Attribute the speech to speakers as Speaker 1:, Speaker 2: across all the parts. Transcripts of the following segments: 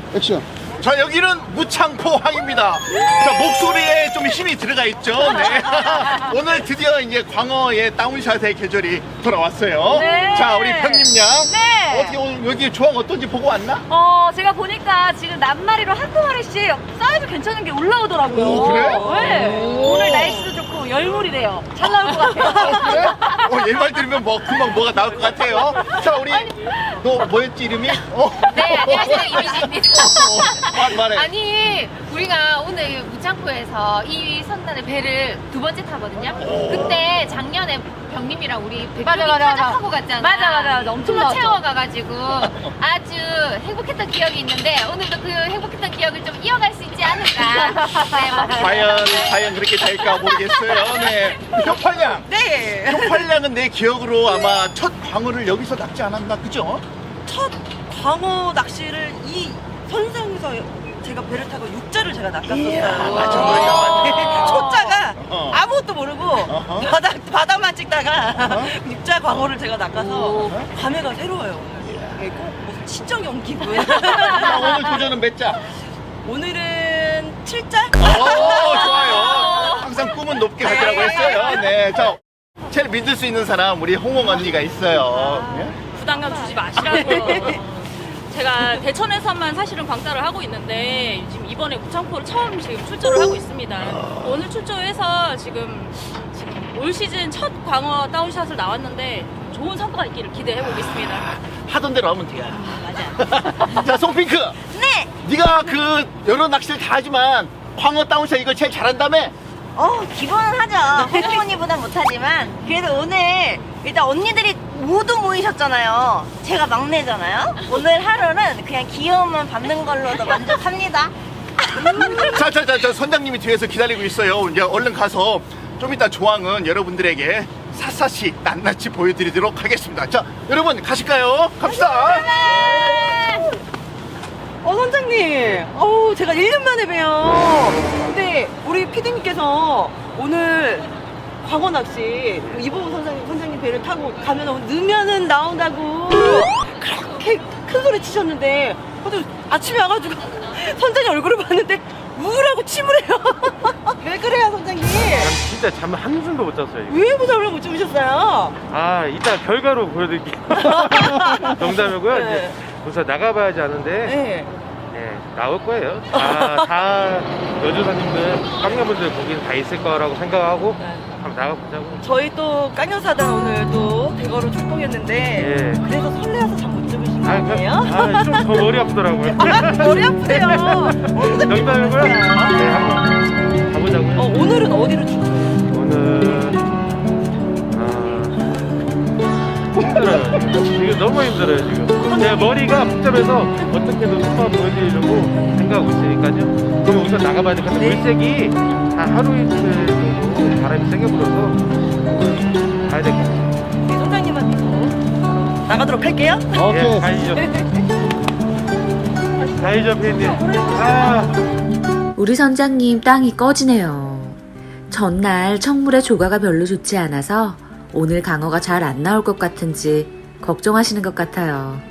Speaker 1: 액션.
Speaker 2: 자, 여기는 무창포항입니다. 자, 목소리에 좀 힘이 들어가 있죠. 네. 오늘 드디어 이제 광어의 다운샷의 계절이 돌아왔어요.
Speaker 3: 네.
Speaker 2: 자, 우리 편님 양.
Speaker 3: 네.
Speaker 2: 어떻게 오늘 여기 조항 어떤지 보고 왔나?
Speaker 3: 제가 보니까 지금 낱마리로 한두 마리씩 사이즈 괜찮은 게 올라오더라고요.
Speaker 2: 오, 그래?
Speaker 3: 네. 오늘 날씨도 좋고 열물이래요. 잘 나올 것 같아요.
Speaker 2: 그래? 얘 말 들으면 뭐 금방 뭐가 나올 것 같아요. 자, 우리 너 뭐였지 이름이?
Speaker 4: 네, 안녕하세요. 이미지입니다.
Speaker 2: 말해.
Speaker 4: 아니, 우리가 오늘 무창포에서 이 선단의 배를 두 번째 타거든요. 그때 작년에 병님이랑 우리
Speaker 3: 맞아.
Speaker 4: 타작하고 갔잖아.
Speaker 3: 맞아. 엄청
Speaker 4: 풀로
Speaker 3: 나왔죠.
Speaker 4: 채워가가지고 아주 행복했던 기억이 있는데 오늘도 그 행복했던 기억을 좀 이어갈 수 있지 않을까. 네, 뭐
Speaker 2: 과연 그렇게 될까 모르겠어요. 네. 효팔량.
Speaker 5: 네.
Speaker 2: 효팔량은 내 기억으로 아마 첫 광어를 여기서 낚지 않았나, 그죠?
Speaker 5: 첫 광어 낚시를 이 선상에서 제가 배를 타고 육자를 제가 낚았었어요.
Speaker 2: 맞아.
Speaker 5: 초자가
Speaker 2: 어.
Speaker 5: 아무것도 모르고
Speaker 2: 어허.
Speaker 5: 바다만 찍다가 육자 광어를 제가 낚아서
Speaker 2: 오.
Speaker 5: 감회가 새로워요 오늘. 네, 꼭 무슨 친정형 기분.
Speaker 2: 자, 오늘 도전은 몇 자?
Speaker 5: 오늘은 7자?
Speaker 2: 좋아요. 항상 꿈은 높게 가더라고 했어요. 네. 자, 제일 믿을 수 있는 사람, 우리 홍홍 언니가 있어요. 네?
Speaker 6: 부담감 주지 마시라고요. 제가 대천에서만 사실은 광따를 하고 있는데 지금 이번에 무창포를 처음 지금 출조를 하고 있습니다. 오늘 출조해서 지금 올 시즌 첫 광어 다운샷을 나왔는데 좋은 성과가 있기를 기대해 보겠습니다.
Speaker 2: 하던 대로 하면 돼요.
Speaker 6: 맞아.
Speaker 2: 자, 송핑크.
Speaker 5: 네.
Speaker 2: 네가 그 여러 낚시를 다 하지만 광어 다운샷 이걸 제일 잘한다며?
Speaker 7: 기본은 하죠. 홍콩 언니보단 못하지만 그래도 오늘 일단 언니들이 모두 모이셨잖아요. 제가 막내잖아요. 오늘 하루는 그냥 귀여움만 받는 걸로도 만족합니다.
Speaker 2: 자, 선장님이 뒤에서 기다리고 있어요. 이제 얼른 가서 좀 이따 조항은 여러분들에게 샅샅이 낱낱이 보여드리도록 하겠습니다. 자, 여러분 가실까요? 갑시다.
Speaker 5: 선장님. 제가 1년 만에 봬요. 근데 우리 피디님께서 오늘 광어 낚시 이보은 선장님 배를 타고 가면 넣으면은 나온다고 그렇게 큰 소리 치셨는데 아침에 와가지고 선장님 얼굴을 봤는데 우울하고 침울해요. 왜 그래요 선장님?
Speaker 8: 진짜 잠 한숨도 못 잤어요. 이거.
Speaker 5: 왜 잠을 못 주무셨어요?
Speaker 8: 아, 이따 결과로 보여드릴게요. 농담이고요.
Speaker 5: 네.
Speaker 8: 이제 우선 나가봐야지 하는데,
Speaker 5: 네.
Speaker 8: 네, 나올 거예요. 다 여주사님들, 깡녀분들 거기는 다 있을 거라고 생각하고 한번 나가보자고.
Speaker 5: 저희 또 깡녀사단 오늘 또 대거로 출동했는데
Speaker 8: 예.
Speaker 5: 그래서 설레어서 잠 못 주무신 거
Speaker 8: 아,
Speaker 5: 아니에요?
Speaker 8: 좀 더 머리 아프더라고요.
Speaker 5: 머리 아프세요.
Speaker 8: 농담이고요. 네, 한번 가보자고요.
Speaker 5: 오늘은 어디로 출동해요?
Speaker 8: 오늘 힘들어요. 지금 너무 힘들어요 지금. 제 머리가 복잡해서 어떻게든 속도를 보여드리려고 생각하고 있으니까요. 그럼 우선 나가봐야 될 것 같아요. 물색이 한 하루 이틀 정도 바람이 세게 불어서 가야 될 것 같아요.
Speaker 5: 우리 선장님만 믿고 나가도록 할게요.
Speaker 1: 오케이.
Speaker 8: 예, 가시죠. 가시죠 피디님.
Speaker 9: 우리 선장님 땅이 꺼지네요. 전날 청물의 조과가 별로 좋지 않아서 오늘 강어가 잘 안 나올 것 같은지 걱정하시는 것 같아요.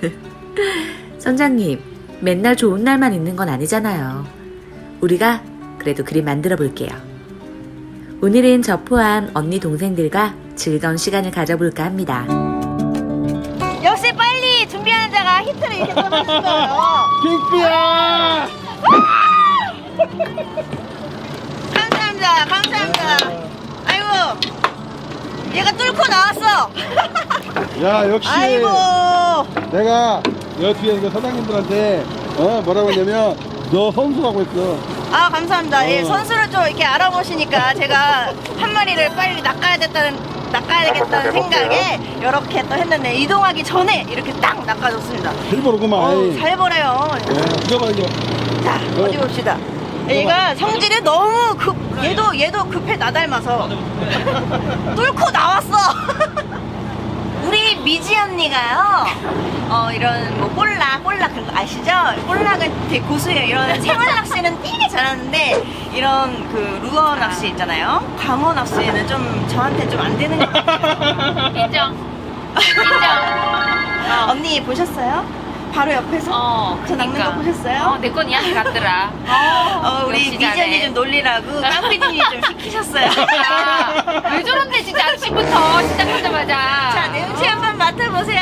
Speaker 9: 선장님, 맨날 좋은 날만 있는 건 아니잖아요. 우리가 그래도 그림 만들어 볼게요. 오늘은 저 포함 언니 동생들과 즐거운 시간을 가져볼까 합니다.
Speaker 7: 역시 빨리 준비하는 자가 히트를 이렇게 써주신 거예요.
Speaker 1: 핑크야!
Speaker 7: 감사합니다. 아이고, 얘가 뚫고 나왔어.
Speaker 1: 야, 역시.
Speaker 7: 아이고.
Speaker 1: 내가 여 뒤에 그 사장님들한테 뭐라고 했냐면 너 선수라고 했어.
Speaker 7: 아, 감사합니다. 예, 선수를 좀 이렇게 알아보시니까 제가 한 마리를 빨리 낚아야 되겠다는 생각에 이렇게 또 했는데 이동하기 전에 이렇게 딱 낚아줬습니다.
Speaker 1: 일부러구만.
Speaker 7: 잘 보래요.
Speaker 1: 이거 봐, 이거.
Speaker 7: 자, 어디 봅시다. 얘가 성질이 너무 얘도 급해 나 닮아서 뚫고 나왔어. 우리 미지 언니가요, 이런 뭐 볼락 그런 거 아시죠? 볼락은 되게 고수예요. 이런 생활 낚시는 되게 잘하는데 이런 그 루어 낚시 있잖아요. 광어 낚시는 좀 저한테 좀 안 되는 것 같아요.
Speaker 4: 인정.
Speaker 7: 언니 보셨어요? 바로 옆에서 저 낚는 거 보셨어요?
Speaker 4: 내 건 이한테 갔더라.
Speaker 7: 우리
Speaker 4: 역시
Speaker 7: 미지
Speaker 4: 잘해.
Speaker 7: 언니 좀 놀리라고 깡피디님이 좀 시키셨어요.
Speaker 4: 왜 저런데 진짜 아침부터 시작하자마자.
Speaker 7: 자, 냄새 한번 맡아보세요.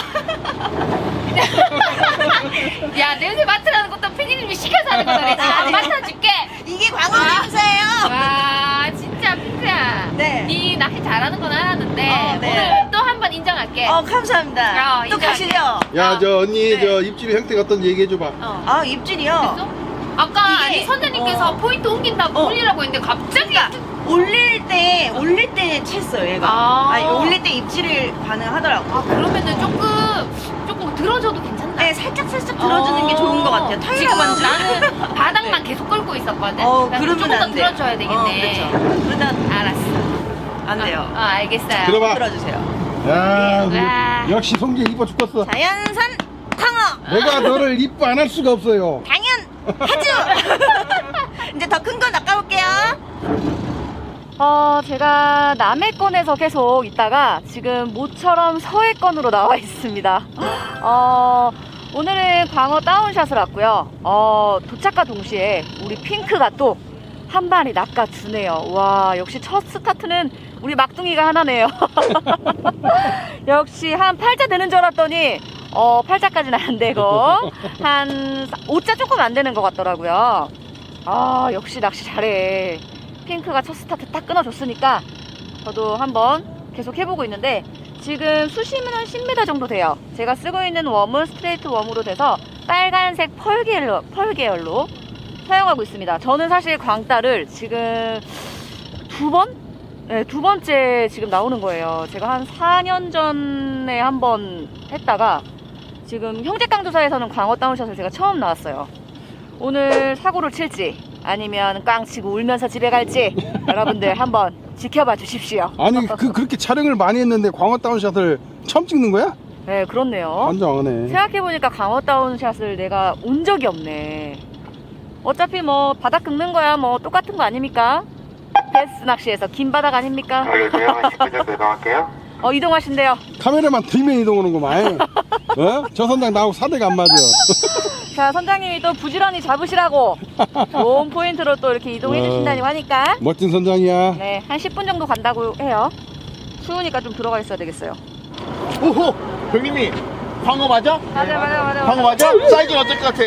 Speaker 4: 야, 냄새 맡으라는 것도 피디님이 시켜서 하는 거다. 내가 안 맡아줄게.
Speaker 7: 이게 광어 냄새예요.
Speaker 4: 와, 진짜 핑크야.
Speaker 7: 네.
Speaker 4: 네 낚시 잘하는 건 알았는데
Speaker 7: 네.
Speaker 4: 오늘 또 한 번 인정할게.
Speaker 7: 감사합니다. 또
Speaker 4: 인정할게.
Speaker 7: 가시죠.
Speaker 1: 야, 저 언니,
Speaker 7: 네.
Speaker 1: 저 입질의 형태가 어떤지 얘기해줘봐.
Speaker 7: 아, 입질이요?
Speaker 4: 됐어? 아까
Speaker 7: 이게-
Speaker 4: 아니 선생님께서 포인트 옮긴다고 올리라고 했는데 갑자기
Speaker 7: 올릴 때 챘어요, 얘가. 아니, 올릴 때 입질을 가능하더라고.
Speaker 4: 그러면은 조금 들어줘도 괜찮나?
Speaker 7: 네, 살짝 들어주는 게 좋은 것 같아요.
Speaker 4: 지금
Speaker 7: 타이어 만지.
Speaker 4: 나는 바닥만 계속 끌고 있었거든. 그러니까
Speaker 7: 그러면
Speaker 4: 조금 더
Speaker 7: 안 돼요.
Speaker 4: 들어줘야 되겠네.
Speaker 7: 그렇죠. 그러다
Speaker 4: 알았어.
Speaker 7: 안 돼요.
Speaker 4: 알겠어요.
Speaker 1: 들어봐.
Speaker 7: 들어주세요.
Speaker 1: 야, 우리
Speaker 4: 와.
Speaker 1: 역시 송재 이뻐 죽겠어.
Speaker 7: 자연산 광어.
Speaker 1: 내가 너를 이뻐 안 할 수가 없어요.
Speaker 7: 당연하죠. 이제 더 큰 거 낚아볼게요.
Speaker 3: 제가 남해권에서 계속 있다가 지금 모처럼 서해권으로 나와 있습니다. 오늘은 광어 다운샷을 왔고요. 도착과 동시에 우리 핑크가 또 한 마리 낚아주네요. 와, 역시 첫 스타트는 우리 막둥이가 하나네요. 역시 한 8자 되는 줄 알았더니 8자까지는 안 되고 한 5자 조금 안 되는 것 같더라고요. 역시 낚시 잘해. 핑크가 첫 스타트 딱 끊어줬으니까 저도 한번 계속 해보고 있는데 지금 수심은 한 10m 정도 돼요. 제가 쓰고 있는 웜은 스트레이트 웜으로 돼서 빨간색 펄 계열로 사용하고 있습니다. 저는 사실 광따를 지금 두 번째 지금 나오는 거예요. 제가 한 4년 전에 한번 했다가 지금 형제깡조사에서는 광어 다운샷을 제가 처음 나왔어요. 오늘 사고를 칠지 아니면 꽝 치고 울면서 집에 갈지 여러분들 한번 지켜봐 주십시오.
Speaker 1: 아니, 그렇게 촬영을 많이 했는데 광어 다운샷을 처음 찍는 거야?
Speaker 3: 네, 그렇네요.
Speaker 1: 환장하네.
Speaker 3: 생각해보니까 광어 다운샷을 내가 온 적이 없네. 어차피 뭐 바닥 긁는 거야 뭐 똑같은 거 아닙니까? 베스 낚시에서 긴 바닥 아닙니까?
Speaker 8: 알겠어요. 10분 정도 이동할게요.
Speaker 3: 이동하신대요.
Speaker 1: 카메라만 들면 이동하는구만. 저 선장 나하고 사대가 안 맞아.
Speaker 3: 자, 선장님이 또 부지런히 잡으시라고 좋은 포인트로 또 이렇게 이동해 주신다고 하니까
Speaker 1: 멋진 선장이야.
Speaker 3: 네, 한 10분 정도 간다고 해요. 추우니까 좀 들어가 있어야 되겠어요.
Speaker 2: 오호, 형님이 광어 맞아?
Speaker 3: 맞아.
Speaker 2: 광어 맞아? 사이즈는 어떨 것 같아?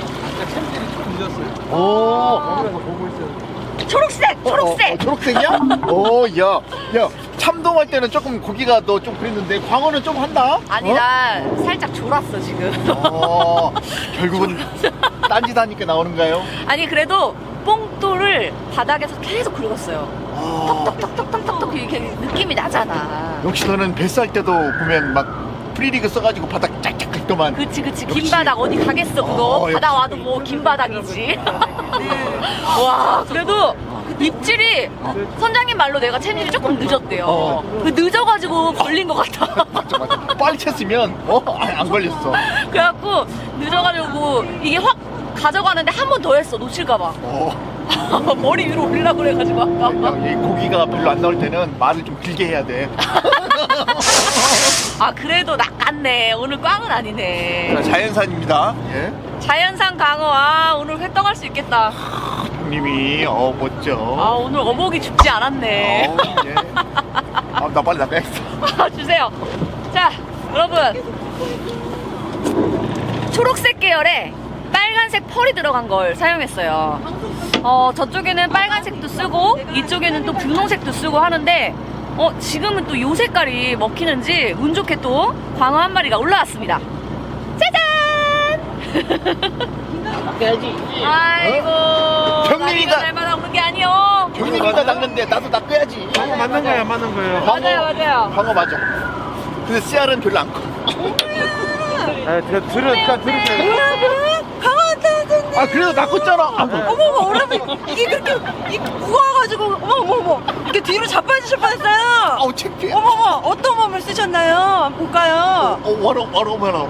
Speaker 7: 초록색.
Speaker 2: 초록색이야? 오, 야, 참돔할 때는 조금 고기가 너 좀 그랬는데 광어는 좀 한다?
Speaker 3: 아니, 나 살짝 졸았어 지금.
Speaker 2: 결국은 딴짓 하니까 나오는가요?
Speaker 3: 아니, 그래도 뽕돌을 바닥에서 계속 긁었어요. 톡톡톡톡톡톡 이렇게 느낌이 나잖아.
Speaker 2: 역시 너는 뱃살 때도 보면 막 프리리그 써가지고 바닥 짝짝 긁더만.
Speaker 3: 그치
Speaker 2: 역시.
Speaker 3: 긴 바닥 어디 가겠어 그거. 바다
Speaker 2: 역시.
Speaker 3: 와도 뭐 긴 바닥이지. 와, 그래도 입질이 선장님 말로 내가 챔질이 조금 늦었대요. 그 늦어가지고 걸린 것 같아.
Speaker 2: 맞아. 빨리 쳤으면 안 걸렸어.
Speaker 3: 그래갖고 늦어가지고 이게 확 가져가는데 한 번 더 했어, 놓칠까봐. 머리 위로 올리려고 그래가지고 아까.
Speaker 2: 이 고기가 별로 안 나올 때는 말을 좀 길게 해야 돼.
Speaker 3: 그래도 낚았네. 오늘 꽝은 아니네.
Speaker 2: 자연산입니다. 예.
Speaker 3: 자연산 광어. 오늘 회 떠갈 수 있겠다.
Speaker 2: 형님이 멋져.
Speaker 3: 오늘 어복이 죽지 않았네.
Speaker 2: 예. 나 빨리 나가야겠어.
Speaker 3: 주세요. 자, 여러분, 초록색 계열에 빨간색 펄이 들어간 걸 사용했어요. 저쪽에는 빨간색도 쓰고 이쪽에는 또 분홍색도 쓰고 하는데 지금은 또 요 색깔이 먹히는지 운 좋게 또 광어 한 마리가 올라왔습니다. 짜잔! 아이고,
Speaker 2: 형님이가
Speaker 3: 날마다 오는 게 아니요.
Speaker 2: 형님이가 낚는데 나도 낚아야지.
Speaker 8: 광어 맞는 거예요, 안 맞는 거예요?
Speaker 3: 맞아요.
Speaker 2: 광어 맞아. 근데 씨알은 별로 안 커.
Speaker 8: 들으세요.
Speaker 2: 그래도 낚았잖아.
Speaker 5: 어머, 여러분, 이게 그렇게 무거워가지고, 어머, 이렇게 뒤로 자빠지실 뻔했어요.
Speaker 2: 창피해.
Speaker 5: 어머, 어떤 몸을 쓰셨나요? 한번 볼까요?
Speaker 2: 워터멜론.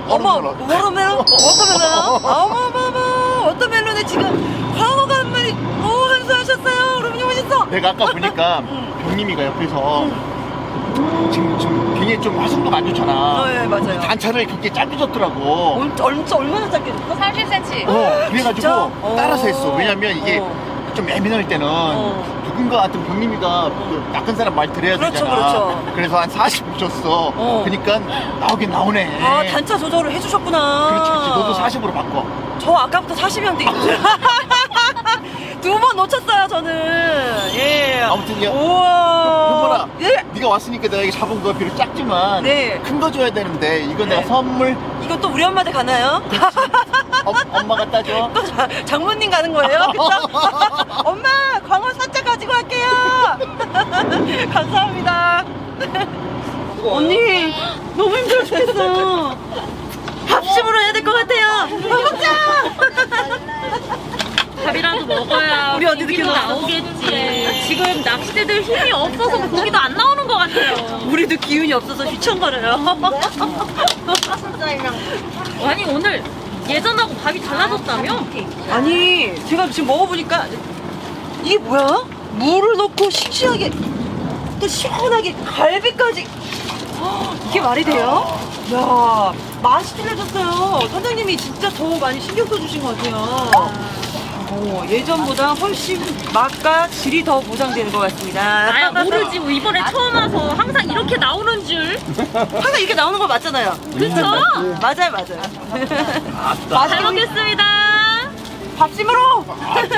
Speaker 5: 워터멜론에 지금 광어가 한 마리, 한수하셨어요. 여러분, 멋있어.
Speaker 2: 내가 아까 보니까 병님이가 옆에서 지금 굉장히 좀 화성도가 안 좋잖아.
Speaker 5: 네, 맞아요.
Speaker 2: 단차를 그렇게 짧게 줬더라고.
Speaker 5: 얼마나 짧게 줬어?
Speaker 3: 30cm.
Speaker 2: 그래가지고
Speaker 5: 진짜?
Speaker 2: 따라서 했어. 왜냐면 이게
Speaker 5: 어.
Speaker 2: 좀 예민할 때는 누군가 같은 병님이가 그 낚은 사람 말 들어야
Speaker 5: 그렇죠,
Speaker 2: 되잖아.
Speaker 5: 그렇죠.
Speaker 2: 그래서 한 40 줬어. 그러니까 나오긴 나오네.
Speaker 5: 아, 단차 조절을 해주셨구나.
Speaker 2: 그렇지, 그렇지. 너도 40으로 바꿔.
Speaker 5: 저 아까부터 40이었는데 두 번 놓쳤어요 저는. 예.
Speaker 2: 아무튼 야,
Speaker 5: 우와.
Speaker 2: 효보라,
Speaker 5: 예.
Speaker 2: 네가 왔으니까 내가 이게 잡은 거 비록 작지만
Speaker 5: 네.
Speaker 2: 큰 거 줘야 되는데 이건 내가
Speaker 5: 네.
Speaker 2: 선물
Speaker 5: 이건 또 우리 엄마한테 가나요?
Speaker 2: 엄마가 따줘.
Speaker 5: 또 장모님 가는 거예요? 그쵸? 엄마 광어 사자 가지고 갈게요. 감사합니다. 언니 너무 힘들어 죽겠어요. 합심으로 해야 될 것 같아요. 밥 먹자.
Speaker 6: 밥이라도 먹어야
Speaker 5: 우리 언니도
Speaker 6: 고기도
Speaker 5: 기억났어.
Speaker 6: 나오겠지. 지금 낚시대들 힘이 없어서 고기도 안 나오는 것 같아요.
Speaker 5: 우리도 기운이 없어서 휘청거려요.
Speaker 6: 아니 오늘 예전하고 밥이 달라졌다며?
Speaker 5: 아니 제가 지금 먹어보니까 이게 뭐야? 물을 넣고 싱싱하게 또 시원하게 갈비까지. 이게 말이 돼요? 야 맛이 틀려졌어요. 선생님이 진짜 더 많이 신경 써주신 것 같아요. 예전보다 훨씬 맛과 질이 더 보장되는 것 같습니다.
Speaker 6: 나야 모르지. 뭐 이번에 처음 와서 항상 이렇게 나오는 줄.
Speaker 5: 항상 이렇게 나오는 거 맞잖아요.
Speaker 6: 그쵸?
Speaker 5: 맞아요, 맞아요.
Speaker 6: 잘 먹겠습니다.
Speaker 5: 밥심으로.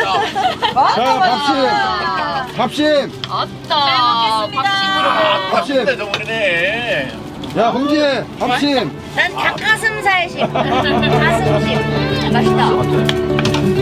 Speaker 1: 자, 밥심.
Speaker 6: 잘 먹겠습니다.
Speaker 1: 밥심.
Speaker 2: 저번에
Speaker 1: 야, 홍지, 밥심.
Speaker 3: 난 닭가슴살심. 가슴심. 맛있다.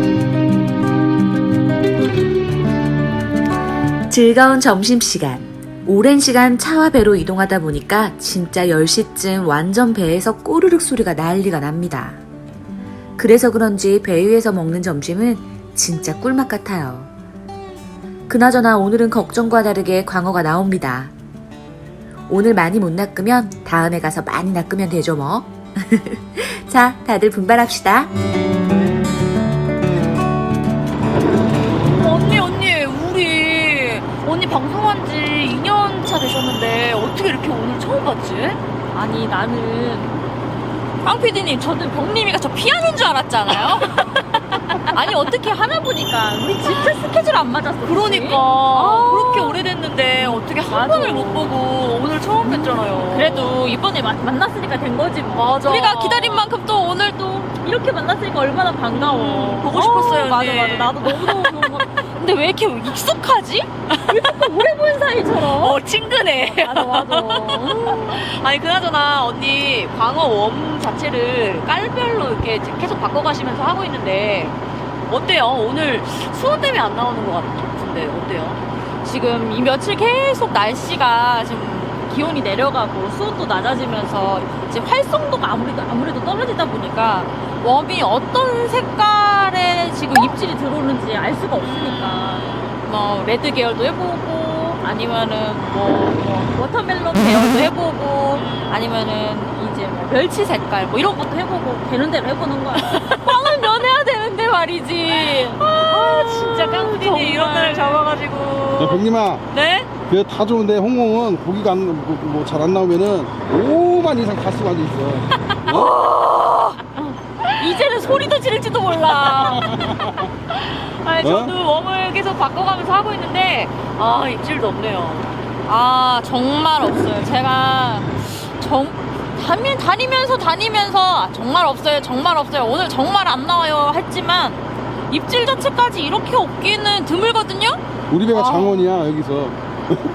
Speaker 9: 즐거운 점심시간. 오랜 시간 차와 배로 이동하다 보니까 진짜 10시쯤 완전 배에서 꼬르륵 소리가 난리가 납니다. 그래서 그런지 배 위에서 먹는 점심은 진짜 꿀맛 같아요. 그나저나 오늘은 걱정과 다르게 광어가 나옵니다. 오늘 많이 못 낚으면 다음에 가서 많이 낚으면 되죠 뭐. 자, 다들 분발합시다.
Speaker 3: 언니 방송한 지 2년 차 되셨는데 어떻게 이렇게 오늘 처음 봤지?
Speaker 6: 아니 나는 황 PD님 저는 병님이가 저 피하는 줄 알았잖아요. 아니 어떻게 하나 보니까 우리 진짜 스케줄 안 맞았어.
Speaker 3: 그러니까 그렇게 오래됐는데 어떻게 한
Speaker 6: 맞아.
Speaker 3: 번을 못 보고 오늘 처음 뵀잖아요.
Speaker 6: 그래도 이번에 만났으니까 된 거지 뭐.
Speaker 3: 맞아.
Speaker 6: 우리가 기다린 만큼 또 오늘 또 이렇게 만났으니까 얼마나 반가워.
Speaker 3: 보고 싶었어요,
Speaker 6: 맞아
Speaker 3: 언니.
Speaker 6: 맞아. 나도 너무 근데 왜 이렇게 익숙하지? 왜 자꾸 오래 본 사이처럼?
Speaker 3: 친근해.
Speaker 6: 맞아.
Speaker 3: 아니 그나저나 언니 광어 웜 자체를 깔별로 이렇게 계속 바꿔가시면서 하고 있는데 어때요? 오늘 수온 때문에 안 나오는 것 같은데 어때요?
Speaker 6: 지금 이 며칠 계속 날씨가 지금 기온이 내려가고 수온도 낮아지면서 이제 활성도가 아무래도 떨어지다 보니까 웜이 어떤 색깔의 지금 입질이 들어오는지 알 수가 없으니까 뭐 레드 계열도 해보고 아니면은 뭐 워터멜론 계열도 해보고 아니면은 이제 뭐 멸치 색깔 뭐 이런 것도 해보고 되는 대로 해보는 거야. 꽝을 면해야 되는데 말이지.
Speaker 3: 진짜 깡패님 이런 날을 잡아가지고.
Speaker 1: 야, 병님아.
Speaker 3: 네?
Speaker 1: 그 다 좋은데 홍홍은 고기가 잘 안 나오면은 5만 이상 다 쓰고 앉아있어.
Speaker 6: 이제는 소리도 지를지도 몰라.
Speaker 3: 아니 저도 웜을 계속 바꿔가면서 하고 있는데 입질도 없네요.
Speaker 6: 정말 없어요. 제가 다니면서 정말 없어요. 오늘 정말 안 나와요 했지만 입질 자체까지 이렇게 없기는 드물거든요.
Speaker 1: 우리 배가 장원이야, 여기서.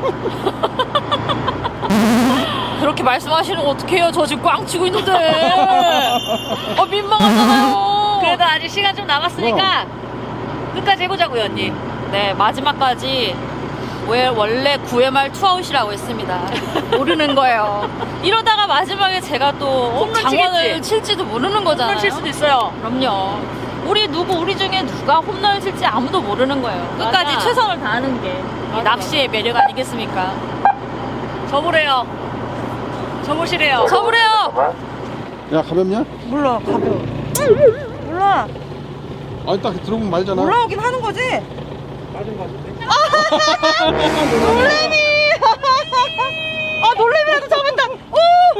Speaker 6: 그렇게 말씀하시는 거 어떡해요? 저 지금 꽝 치고 있는데. 민망하잖아요.
Speaker 3: 그래도 아직 시간 좀 남았으니까 끝까지 해보자고요, 언니.
Speaker 6: 네, 마지막까지 원래 9회 말 투아웃이라고 했습니다. 모르는 거예요. 이러다가 마지막에 제가 또
Speaker 3: 홈런
Speaker 6: 장원을
Speaker 3: 치겠지?
Speaker 6: 칠지도 모르는 거잖아요.
Speaker 3: 홈런 칠 수도 있어요.
Speaker 6: 그럼요. 우리 중에 누가 홈런을 칠지 아무도 모르는 거예요. 끝까지
Speaker 3: 맞아.
Speaker 6: 최선을 다하는 게 이 낚시의 매력 아니겠습니까?
Speaker 3: 접으래요. 접으시래요.
Speaker 6: 접으래요.
Speaker 1: 야, 가볍냐?
Speaker 5: 몰라, 가벼워. 몰라.
Speaker 1: 아니, 딱 들어보면 말잖아.
Speaker 5: 올라오긴 하는 거지?
Speaker 1: 맞은 거 같은데?
Speaker 5: 놀래미! 아, 놀래미라도 잡았다. 오,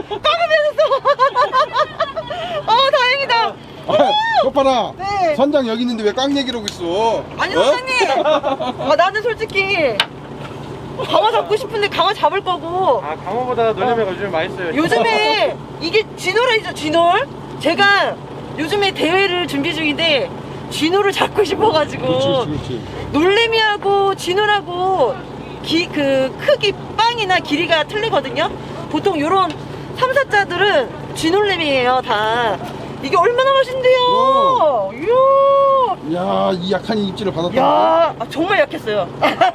Speaker 5: 깡을 뱉었어. 다행이다.
Speaker 1: 오빠라.
Speaker 5: 네.
Speaker 1: 선장 여기 있는데 왜 깡 얘기를 하고 있어?
Speaker 5: 아니, 선생님. 나는 솔직히 강어 잡고 싶은데 강어 잡을 거고.
Speaker 8: 아, 강어보다 놀래미가 요즘 맛있어요.
Speaker 5: 요즘에 이게 진호라이죠, 진홀? 제가 요즘에 대회를 준비 중인데 진호를 잡고 싶어가지고
Speaker 1: 그렇지.
Speaker 5: 놀래미하고 진호라고 그 크기 빵이나 길이가 틀리거든요. 보통 요런 3, 4자들은 진놀래미예요 다. 이게 얼마나 맛있는데요. 이야.
Speaker 1: 야, 이 약한 입질을 받았다.
Speaker 5: 야, 정말 약했어요.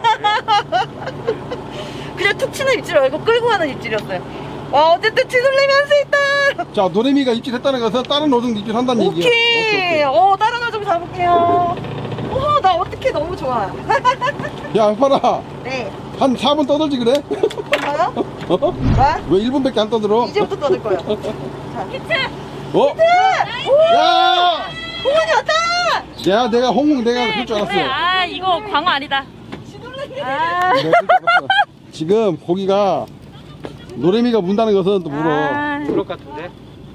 Speaker 5: 그냥 툭 치는 입질 말고 끌고 가는 입질이었어요. 와, 어쨌든 진놀래미 한 수 있다.
Speaker 1: 자, 노래미가 입질했다는 것은 다른 어종도 입질한다는 얘기야.
Speaker 5: 오케이. 다른 어좀 잡을게요. 나 어떻게 너무 좋아.
Speaker 1: 야, 봐라.
Speaker 5: 네.
Speaker 1: 한 4분 떠들지 그래?
Speaker 5: 뭐요?
Speaker 1: 어? 왜 1분밖에 안 떠들어?
Speaker 5: 이제부터 떠들 거예요. 자, 히트!
Speaker 1: 어? 야!
Speaker 5: 홍원이 왔다!
Speaker 1: 야, 내가 홍콩 내가 그럴 줄 알았어.
Speaker 6: 아, 이거 광어 아니다.
Speaker 1: 내가 그럴 줄 알았어. 지금 고기가 노래미가 문다는 것은 또 물어.
Speaker 8: 그럴 것 같은데.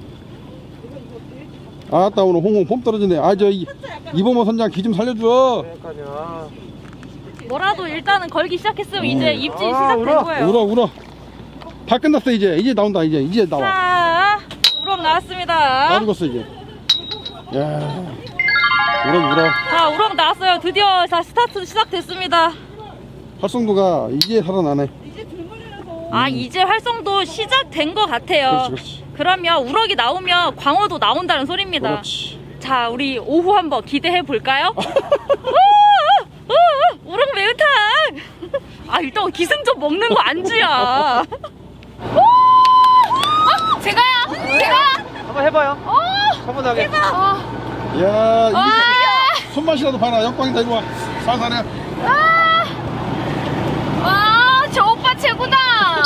Speaker 1: 아따, 오늘 홍콩 폼 떨어지네. 이범호 선장 기 좀 살려줘.
Speaker 8: 그러니까요.
Speaker 6: 뭐라도 일단은 걸기 시작했으면 이제 입질 시작된 거예요.
Speaker 1: 울어. 다 끝났어 이제 나온다 이제 나와.
Speaker 6: 자, 우럭 나왔습니다.
Speaker 1: 다 죽었어 이제. 야, 울어.
Speaker 6: 자, 우럭 나왔어요. 드디어 자 스타트 시작됐습니다.
Speaker 1: 활성도가 이제 살아나네.
Speaker 6: 이제 활성도 시작된 것 같아요.
Speaker 1: 그렇지.
Speaker 6: 그러면 우럭이 나오면 광어도 나온다는 소리입니다.
Speaker 1: 그렇지.
Speaker 6: 자, 우리 오후 한번 기대해 볼까요? 우럭 매운탕. 일단 기승전 먹는 거 안주야.
Speaker 4: 제가요.
Speaker 8: 한번 해봐요. 차분하게.
Speaker 1: 야, 이게 손맛이라도 봐라. 역광이다 이리 와. 살살해.
Speaker 4: 저 오빠 최고다.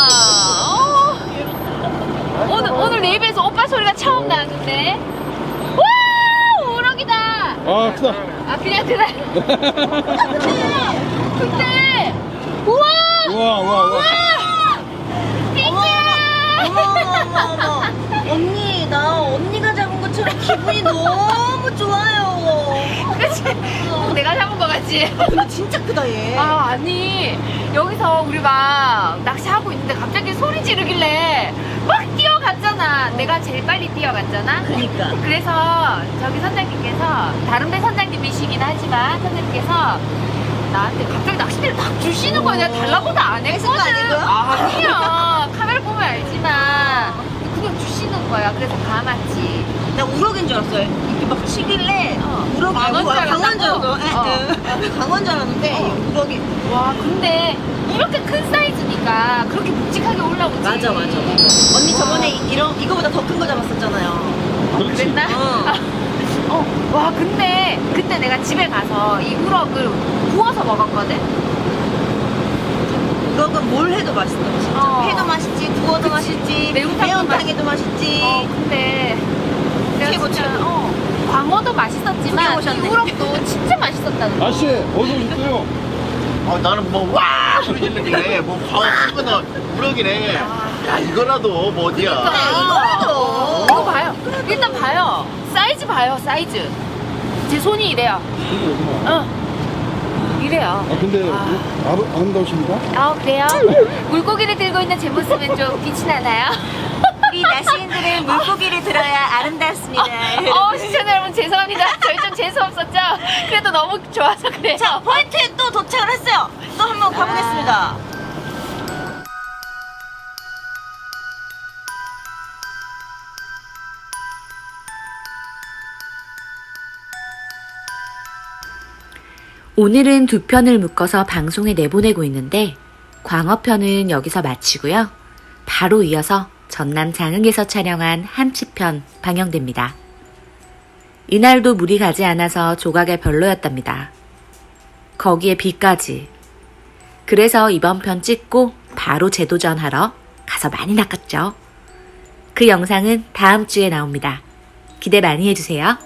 Speaker 4: 오늘 내 입에서 오빠 소리가 처음 나는데. 와, 우럭이다.
Speaker 1: 아, 크다.
Speaker 4: 그냥 그래. 근데 우와.
Speaker 1: 우와.
Speaker 7: 어머. 언니, 나 언니가 잡은 것처럼 기분이 너무 좋아요.
Speaker 4: 그치? 내가 잡은 거 같지?
Speaker 7: 근데 진짜 크다, 얘.
Speaker 4: 아니 여기서 우리 막 낚시하고 있는데 갑자기 소리 지르길래 막 뛰어갔잖아. 내가 제일 빨리 뛰어갔잖아.
Speaker 7: 그러니까.
Speaker 4: 그래서 저기 선장님께서 다른 배 선장님이시긴 하지만 선생님께서 나한테 갑자기 낚싯대를 딱 주시는 거야. 내가 달라고도 안
Speaker 7: 뺏은 거
Speaker 4: 했거든.
Speaker 7: 아니고요?
Speaker 4: 아니야. 카메라 보면 알지만 그냥 주시는 거야. 그래서 감았지.
Speaker 7: 나 우럭인 줄 알았어요. 이렇게 막 치길래 우럭이
Speaker 4: 광어인 줄
Speaker 7: 강원 줄
Speaker 4: 알았다고?
Speaker 7: 알았어. 강원 줄 알았는데 우럭이.
Speaker 4: 와, 근데 이렇게 큰 사이즈니까 그렇게 묵직하게 올라오지.
Speaker 7: 맞아. 언니 저번에 이거보다 더 큰 거 잡았었잖아요.
Speaker 1: 그렇지.
Speaker 4: 그랬나? 와, 근데 그때 내가 집에 가서 이 우럭을 구워서 먹었거든?
Speaker 7: 우럭은 뭘 해도 맛있어. 진짜. 회도 맛있지, 구워도 맛있지, 매운탕에도 맛있지.
Speaker 4: 근데 내가
Speaker 7: 최고,
Speaker 4: 진짜,
Speaker 7: 최고.
Speaker 4: 광어도 맛있었지만
Speaker 7: 구경 오셨네.
Speaker 4: 이 우럭도 진짜 맛있었다는 거.
Speaker 1: 아씨, 어서 오셨어요.
Speaker 2: 나는 뭐 와 소리 지르길래 뭐 광어 크거나 우럭이네. 야, 이거라도 뭐 어디야.
Speaker 7: 이거라도.
Speaker 4: 이거 봐요. 일단 봐요. 사이즈 봐요, 사이즈. 제 손이 이래요. 이래요.
Speaker 1: 근데 아름다우십니까?
Speaker 4: 그래요? 물고기를 들고 있는 제 모습은 좀 빛이 나나요?
Speaker 7: 우리 낚시인들은 물고기를 들어야 아름답습니다.
Speaker 4: 시청자 여러분 죄송합니다. 저희 좀 재수 없었죠? 그래도 너무 좋아서 그래요.
Speaker 7: 자, 포인트에 또 도착을 했어요. 또 한번 가보겠습니다.
Speaker 9: 오늘은 두 편을 묶어서 방송에 내보내고 있는데 광어편은 여기서 마치고요. 바로 이어서 전남 장흥에서 촬영한 함치편 방영됩니다. 이날도 물이 가지 않아서 조각에 별로였답니다. 거기에 비까지. 그래서 이번 편 찍고 바로 재도전하러 가서 많이 낚았죠. 그 영상은 다음 주에 나옵니다. 기대 많이 해주세요.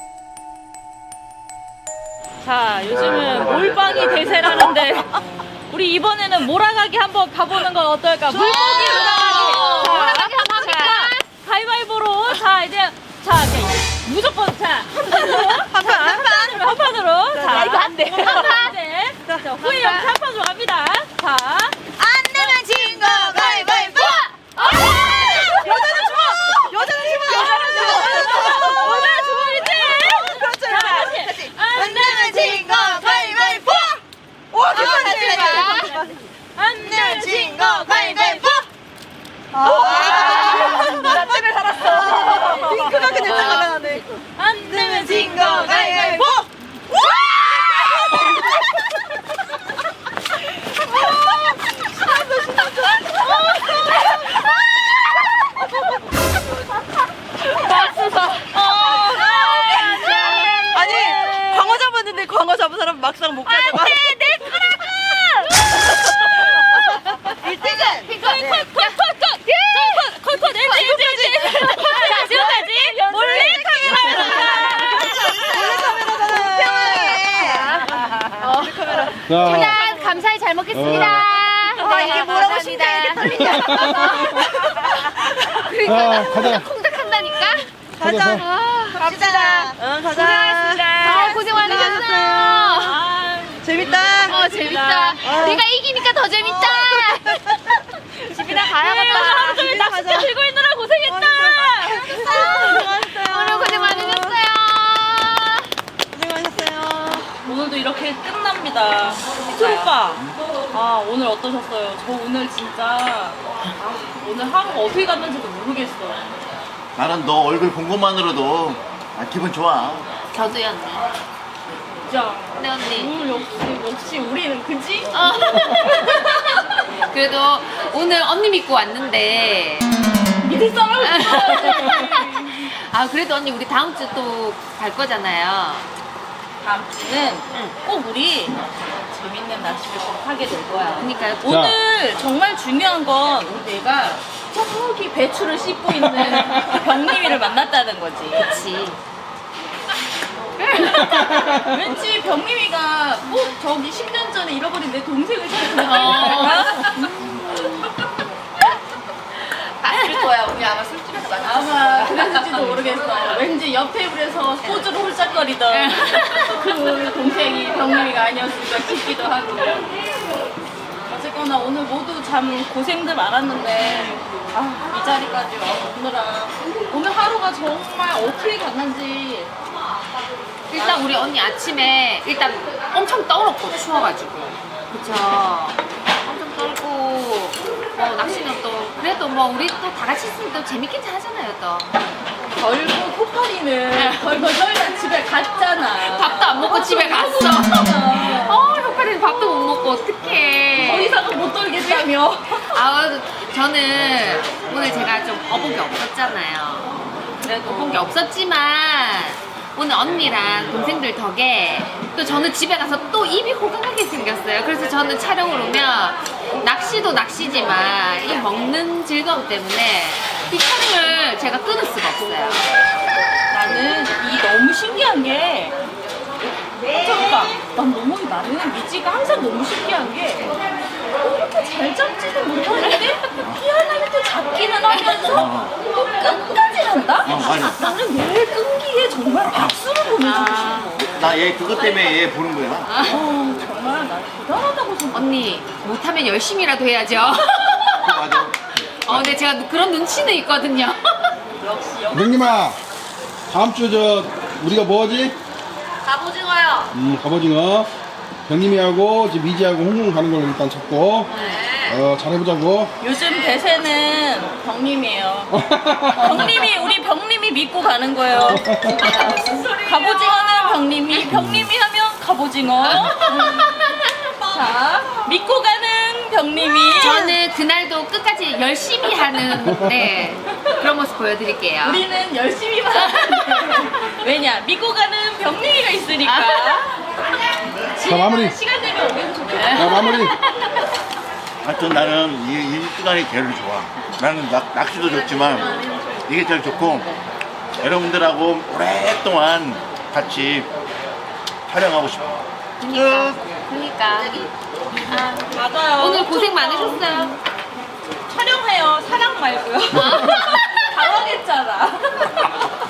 Speaker 6: 자, 요즘은 몰빵이 대세라는데 우리 이번에는 몰아가기 한번 가보는 건 어떨까? 물고기 몰아가기.
Speaker 4: 몰아가기 한번 합니까?
Speaker 6: 가위바위보로 자 이제 이제 무조건 한 판으로 자
Speaker 4: 이거 안 돼.
Speaker 6: 한 판. 네. 자 후에 여기 한 판으로 갑니다. 자.
Speaker 7: 안 내면 진 거 가위바위보!
Speaker 5: 여자는
Speaker 6: 오늘 주문이지.
Speaker 5: 그렇죠.
Speaker 6: 자 다시.
Speaker 7: 안 내면 진 거 가위바위보!
Speaker 5: 오,
Speaker 7: 안
Speaker 6: 안
Speaker 7: 내면 진 거 가위바위보!
Speaker 5: 나 때문에 살았어. 핑크가 그냥 날아가네.
Speaker 6: 안 내면
Speaker 7: 진 거 가위바위보!
Speaker 5: 아니, 광어 잡았는데 광어 잡은 사람 막상 못 가져가.
Speaker 6: 컷 자 지금까지 몰래
Speaker 1: 자,
Speaker 4: 일단 감사히 잘 먹겠습니다.
Speaker 7: 아, 이게 뭐라고 심장이 이렇게 떨리냐.
Speaker 1: 자, 가자.
Speaker 4: 콩닥한다니까.
Speaker 5: 가자.
Speaker 7: 갑시다.
Speaker 5: 응, 가자.
Speaker 4: 고생 많으셨어요.
Speaker 5: 재밌다.
Speaker 4: 재밌다. 내가 이기니까 더 재밌다. 집이나 가야겠다.
Speaker 6: 하루 종일 낚싯대 들고 있느라 고생했다.
Speaker 4: 오늘 고생 많으셨어요.
Speaker 5: 고생하셨어요.
Speaker 6: 오늘도 이렇게 끝납니다. 희철 오빠, 오늘 어떠셨어요? 저 오늘 진짜 오늘 하루가 어떻게 갔는지도 모르겠어요.
Speaker 2: 나는 너 얼굴 본 것만으로도 기분 좋아.
Speaker 4: 저도요, 언니.
Speaker 6: 진짜
Speaker 4: 네, 언니.
Speaker 6: 역시 우리는 그지?
Speaker 4: 그래도 오늘 언니 믿고 왔는데.
Speaker 6: 믿을 사람은
Speaker 4: 그래도 언니, 우리 다음 주 또 갈 거잖아요.
Speaker 6: 다음 주는 꼭 우리 재밌는 낚시를 꼭 하게 될 거야.
Speaker 4: 그러니까요.
Speaker 6: 오늘 정말 중요한 건 우리 내가 저기 배추를 씻고 있는 병림이를 만났다는 거지.
Speaker 4: 그치.
Speaker 6: 왠지 병림이가 꼭 저기 10년 전에 잃어버린 내 동생을 찾는 느낌이랄까?
Speaker 4: 봤을 거야. 우리 아마 술집에서 만났어.
Speaker 6: 아마 그랬을지도 모르겠어. 왠지 옆 테이블에서 소주를 홀짝거리던 그 동생이 병림이가 아니었을까 싶기도 하고. 어쨌거나 오늘 모두 참 고생들 많았는데 이 자리까지 오느라 오늘 하루가 정말 어떻게 갔는지.
Speaker 4: 일단 우리 언니 아침에 일단 엄청 떨었고 추워가지고. 그쵸. 엄청 떨고 낚시는 또 그래도 뭐 우리 또 다 같이 있으면 또 재밌긴 하잖아요 또.
Speaker 6: 결국 호파리는 벌벌 떨다 집에 갔잖아.
Speaker 4: 밥도 안 먹고 집에 갔어. 효파리는 밥도 못 먹고 어떡해.
Speaker 6: 더 이상은 못 떨겠다며.
Speaker 4: 저는 오늘 제가 좀 어복이 없었잖아요. 그래도 어복이 없었지만 오늘 언니랑 동생들 덕에 또 저는 집에 가서 또 입이 호강하게 생겼어요. 그래서 저는 촬영을 오면 낚시도 낚시지만 이 먹는 즐거움 때문에 이 촬영을 제가 끊을 수가 없어요.
Speaker 6: 나는 너무 신기한 게 잠깐 난 너무 나는 미지가 항상 너무 신기한 게 이렇게 잘 잡지도 못하는데 희한하게 또 잡기는 하면서 또 끝까지 한다?
Speaker 2: 맞아.
Speaker 6: 나는 얘 끈기에 정말 박수를 보내주고 싶어.
Speaker 2: 나 얘 그것 때문에 얘 보는 거야.
Speaker 6: 정말 나 대단하다고 생각해.
Speaker 4: 언니 못하면 열심히라도 해야죠.
Speaker 2: 맞아.
Speaker 4: 근데 제가 그런 눈치는 있거든요.
Speaker 6: 역시
Speaker 1: 명님아, 다음 주 우리가 뭐지?
Speaker 4: 갑오징어요.
Speaker 1: 갑오징어. 병님이하고 지금 미지하고 홍콩 가는 걸 일단 잡고 잘해보자고.
Speaker 6: 요즘 대세는 병님이에요. 우리 병님이 믿고 가는 거예요. 갑오징어는 병님이 하면 갑오징어. 자, 믿고 가는 병님이.
Speaker 4: 저는 그날도 끝까지 열심히 하는 그런 모습 보여드릴게요.
Speaker 6: 우리는 열심히만 하는데 왜냐? 믿고 가는 병님이가 있으니까.
Speaker 1: 자, 마무리.
Speaker 6: 시간 되면 오면 좋겠다.
Speaker 1: 자, 마무리.
Speaker 2: 하여튼 나는 이 시간이 제일 좋아. 나는 낚시도 좋지만 이게 제일 좋고 여러분들하고 오랫동안 같이 촬영하고 싶어.
Speaker 4: 그러니까.
Speaker 6: 맞아요.
Speaker 4: 오늘 고생 많으셨어요.
Speaker 6: 촬영해요. 사랑 말고요. 당황했잖아.